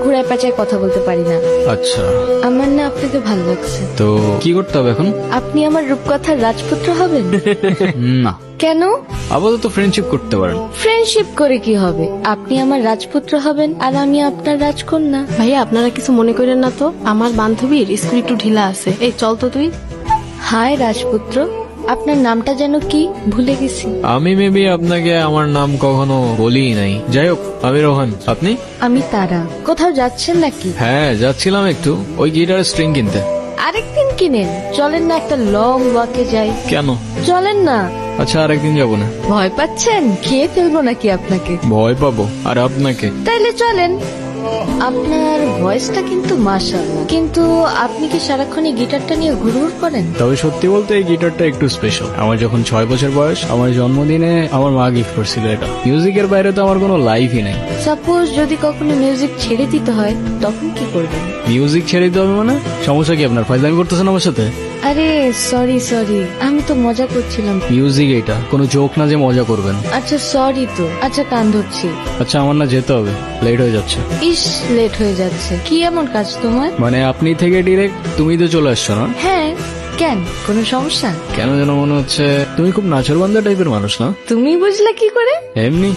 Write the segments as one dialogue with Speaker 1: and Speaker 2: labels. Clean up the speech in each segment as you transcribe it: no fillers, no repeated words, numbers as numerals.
Speaker 1: ঘুরায় পেঁচায় কথা বলতে পারি না।
Speaker 2: আচ্ছা,
Speaker 1: আমার না আপনাকে ভালো লাগছে।
Speaker 2: তো কি করতে হবে এখন?
Speaker 1: আপনি আমার রূপকথার রাজপুত্র হবেন।
Speaker 2: না,
Speaker 1: কেন?
Speaker 2: আপাতত ফ্রেন্ডশিপ করতে পারেন।
Speaker 1: ফ্রেন্ডশিপ করে কি হবে? আপনি আমার রাজপুত্র হবেন আর আমি আপনার রাজকন্যা।
Speaker 3: ভাইয়া আপনারা কিছু মনে করেন না তো, আমার বান্ধবীর স্কুল একটু ঢিলা আছে। এই চল তো তুই।
Speaker 1: হায় রাজপুত্র, আপনার নামটা যেন কি ভুলে গেছি।
Speaker 2: আমি মেবি আপনাকে আমার নাম কখনো বলিই নাই। যাই হোক, আমি রোহান। আপনি?
Speaker 1: আমি তারা। কোথাও যাচ্ছেন নাকি?
Speaker 2: হ্যাঁ, যাচ্ছিলাম একটু ওই গিটারের স্ট্রিং কিনতে।
Speaker 1: আরেকদিন কিনেন। চলেন না একটা লং ওয়াকে যাই।
Speaker 2: কেন?
Speaker 1: চলেন না।
Speaker 2: আচ্ছা, আরেকদিন যাবো না।
Speaker 1: ভয় পাচ্ছেন? খেয়ে ফেলবো নাকি আপনাকে?
Speaker 2: ভয় পাবো আর আপনাকে?
Speaker 1: তাইলে চলেন। আপনার ভয়েসটা কিন্তু মাশাআল্লাহ, কিন্তু আপনি কি সারাক্ষণ এই গিটারটা নিয়ে ঘুরঘুর করেন?
Speaker 2: তবে সত্যি বলতে এই গিটারটা একটু স্পেশাল। আমার যখন 6 বছর বয়স, আমার জন্মদিনে আমার মা গিফট করছিল এটা। মিউজিকের বাইরে তো আমার কোনো লাইফই নেই।
Speaker 1: সাপোজ যদি কখনো মিউজিক ছেড়ে দিতে হয় তখন কি করবেন?
Speaker 2: মিউজিক ছেড়ে দিতে হবে মানে? সমস্যা কি আপনার? ফাইজলামি করতেছেন আমার সাথে?
Speaker 1: আরে সরি সরি, আমি তো মজা করছিলাম।
Speaker 2: মিউজিক এটা কোনো জোক না যে মজা করবেন।
Speaker 1: আচ্ছা সরি তো। আচ্ছা কান ধরছি।
Speaker 2: আচ্ছা, আমার না যেতে হবে, লেট হয়ে যাচ্ছে।
Speaker 1: ইস, লেট হয়ে যাচ্ছে। কি এমন কাজ তোমার?
Speaker 2: মানে আপনি থেকে ডিরেক্ট তুমি তো চলে আসছো না?
Speaker 1: হ্যাঁ, কেন? কোনো সমস্যা?
Speaker 2: কেন যেন মনে হচ্ছে তুমি খুব নাচরবান্ধা টাইপের মানুষ না?
Speaker 1: তুমি বুঝলে কি করে?
Speaker 2: এমনি।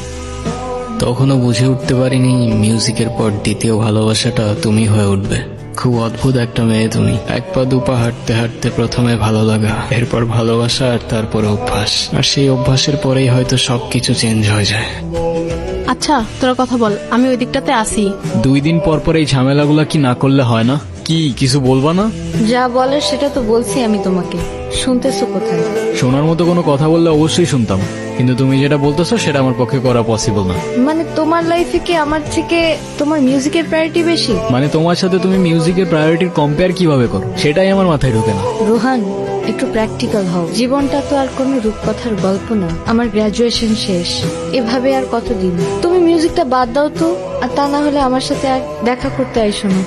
Speaker 2: তখনও বুঝে উঠতে পারিনি মিউজিকের পর দ্বিতীয় ভালোবাসাটা তুমি হয়ে উঠবে। খুব অদ্ভুত একটা মেয়ে তুমি। এক পা দুপা হাঁটতে হাঁটতে প্রথমে ভালো লাগা, এরপর ভালোবাসা, আর তারপরে অভ্যাস। আর সেই অভ্যাসের পরেই হয়তো সবকিছু চেঞ্জ হয়ে যায়।
Speaker 3: আচ্ছা তোরা কথা বল, আমি ওই দিকটাতে আসি।
Speaker 2: 2 দিন পর পর এই ঝামেলাগুলা কি না করলে হয় না? কি কিছু বলবা না?
Speaker 1: যা বলার সেটা তো বলছি আমি তোমাকে। শুনতেছো কোথায়?
Speaker 2: শোনার মতো কোনো কথা বললে অবশ্যই শুনতাম, কিন্তু তুমি যেটা বলতেছো সেটা আমার পক্ষে করা পসিবল না।
Speaker 1: মানে তোমার লাইফে কি আমার থেকে তোমার মিউজিকের প্রায়োরিটি বেশি?
Speaker 2: মানে তোমার সাথে তুমি মিউজিকের প্রায়োরিটির কম্পেয়ার কিভাবে করো সেটাই আমার মাথায় ঢোকে না।
Speaker 1: রোহান, একটু প্র্যাকটিক্যাল হও। জীবনটা তো আর কোনো রূপকথার গল্প না। আমার গ্রাজুয়েশন শেষ, এভাবে আর কতদিন? তুমি মিউজিকটা বাদ দাও তো, আর তা না হলে আমার সাথে আর দেখা করতে আইসো না।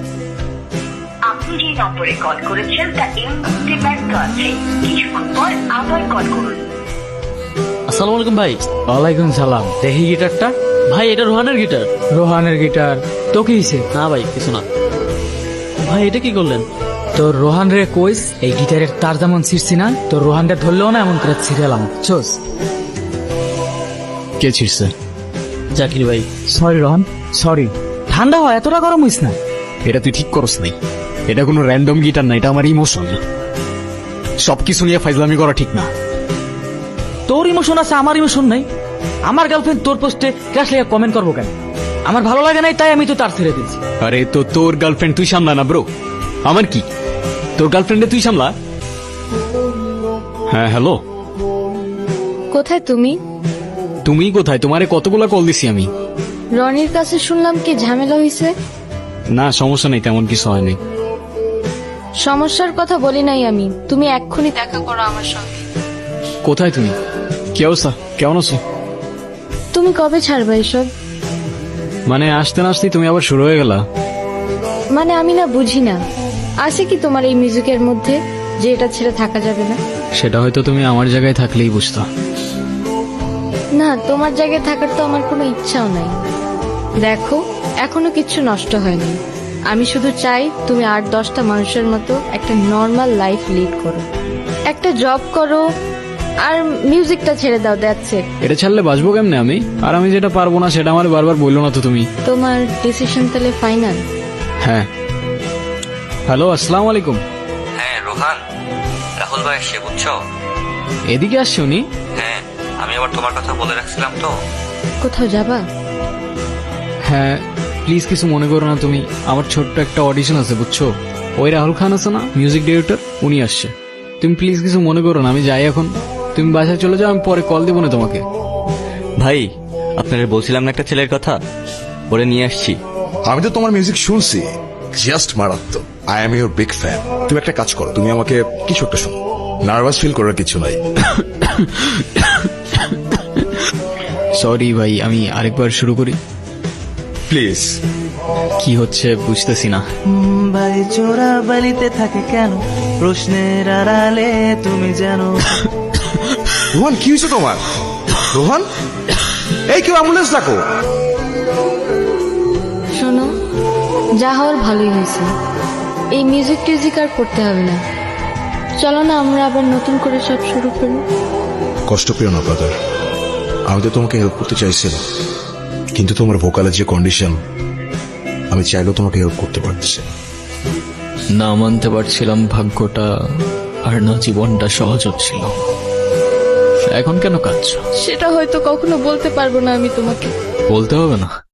Speaker 4: আপনি যে নম্বরে কল করেছেন তা এই মুহূর্তে ব্যস্ত আছে। কিছুক্ষণ পর আবার কল করুন।
Speaker 5: আসসালামু আলাইকুম ভাই।
Speaker 6: ওয়ালাইকুম সালাম। দেখি গিটারটা।
Speaker 5: ভাই এটা রোহানের গিটার।
Speaker 6: রোহানের গিটার তো কি হয়েছে?
Speaker 5: না ভাই কিছু না। ভাই এটা কি করলেন?
Speaker 6: তোর রোহান রে কইস এই গিটারের তার যেমন ছিঁড়ছি না, তোর রোহানটা ধরলেও না এমন করে ছিঁড়ালাম। চোস।
Speaker 2: কে ছিড়ছে?
Speaker 5: জাকির ভাই।
Speaker 6: Sorry Rohan, sorry. ঠান্ডা হয়, এতটা গরম হইস না।
Speaker 2: এটা তুই ঠিক করস নাই। এটা কোনো র্যান্ডম গিটার না, এটা আমার ইমোশন। সবকিছু নিয়ে ফাইজলামি করা ঠিক না।
Speaker 6: তোর ইমোশন আছে, আমার ইমোশন নাই। আমার গার্লফ্রেন্ড তোর পোস্টে ক্রাশ লেগে কমেন্ট করবো কেন? আমার ভালো লাগে নাই তাই আমি তো তার ছেড়ে দিয়েছি।
Speaker 2: আরে তো তোর গার্লফ্রেন্ড তুই সামলা না ব্রো। আমার কি? তোর গার্লফ্রেন্ডে তুই সামলা। হ্যাঁ হ্যালো।
Speaker 1: কোথায় তুমি?
Speaker 2: তুমি কোথায়? তোমারে কতগুলা কল দিছি আমি।
Speaker 1: রনির কাছে শুনলাম কি ঝামেলা হয়েছে।
Speaker 2: না সমস্যা নেই, তেমন কিছু হয়নি।
Speaker 1: সমস্যার কথা বলি নাই আমি। তুমি এক্ষুনি দেখা করো আমার সঙ্গে।
Speaker 2: কোথায় তুমি? কি অবস্থা? কেমন আছো?
Speaker 1: তুমি কবে ছাড়বে এসব?
Speaker 2: মানে আসতে না আসতেই তুমি আবার শুরু হয়ে গেলা।
Speaker 1: মানে আমি না বুঝি না, আছে কি তোমার এই মিউজিকের মধ্যে যে এটা ছেড়ে থাকা যাবে না?
Speaker 2: সেটা হয়তো তুমি আমার জায়গায় থাকলেই বুঝতো।
Speaker 1: না, তোমার জায়গায় থাকার তো আমার কোনো ইচ্ছাও নাই। দেখো, এখনো কিচ্ছু নষ্ট হয়নি। আমি শুধু চাই তুমি 8-10টা মানুষের মতো একটা নর্মাল লাইফ লিড করো, একটা জব করো, আর মিউজিকটা ছেড়ে দাও। That's it.
Speaker 2: এটা ছাড়লে বাঁচবো কেমনে আমি? আর আমি যেটা পারবো না সেটা আমার বারবার বললো না তো তুমি।
Speaker 1: তোমার ডিসিশন তাহলে ফাইনাল?
Speaker 2: হ্যাঁ। হ্যালো, আসসালামু আলাইকুম।
Speaker 7: হ্যাঁ রোহান, রাহুল ভাই সে বুঝছো?
Speaker 2: এদিকে আসছে উনি?
Speaker 7: হ্যাঁ, আমি আবার তোমার কথা বলে রাখছিলাম তো।
Speaker 1: কোথাও যাবা?
Speaker 2: হ্যাঁ, প্লিজ কিছু মনে করো না তুমি। আমার ছোট্ট একটা অডিশন আছে বুঝছো। ওই রাহুল খান আছে না, মিউজিক ডিরেক্টর, উনি আসছে। তুমি প্লিজ কিছু মনে করো না, আমি যাই এখন। তুমি বাসায় চলে যাও, আমি পরে কল দেবো না তোমাকে।
Speaker 7: ভাই আপনারা বলছিলাম না একটা ছেলের কথা, ওরে নিয়ে আসছি।
Speaker 8: আমি তো তোমার মিউজিক শুনছি, জাস্ট মারাত্মক। I am your big fan. তুমি একটা কাজ করো, তুমি আমাকে কিছু একটা শোনো। নার্ভাস ফিল করার কিছু নাই।
Speaker 2: সরি ভাই, আমি আরেকবার শুরু করি
Speaker 8: প্লিজ।
Speaker 2: কি হচ্ছে বুঝতেছি না।
Speaker 9: মুম্বাই চোরা বালিতে থাকে কেন? প্রশ্নের আড়ালে তুমি জানো।
Speaker 8: রোহান কি হয়েছে তোমার? রোহান, এই কেউ অ্যাম্বুলেন্স ডাকো।
Speaker 1: শোনো, যা হওয়ার ভালোই হয়েছে। এই মিউজিক টিউজিক আর করতে হবে না। চলো না আমরা আবার নতুন করে সব শুরু করি।
Speaker 8: কষ্ট পেও না ব্রাদার, আমি তো তোমাকে হেল্প করতে চাইছিলাম, কিন্তু তোমার ভোকালের যে কন্ডিশন, আমি চাইলেও তোমাকে হেল্প করতে পারতেছি না।
Speaker 2: না মানতে পারছিলাম ভাগ্যটা, আর না জীবনটা সহজ হচ্ছিল। এখন কেন কাঁদছো?
Speaker 1: সেটা হয়তো কখনো বলতে পারবো না আমি তোমাকে।
Speaker 2: বলতে হবে না।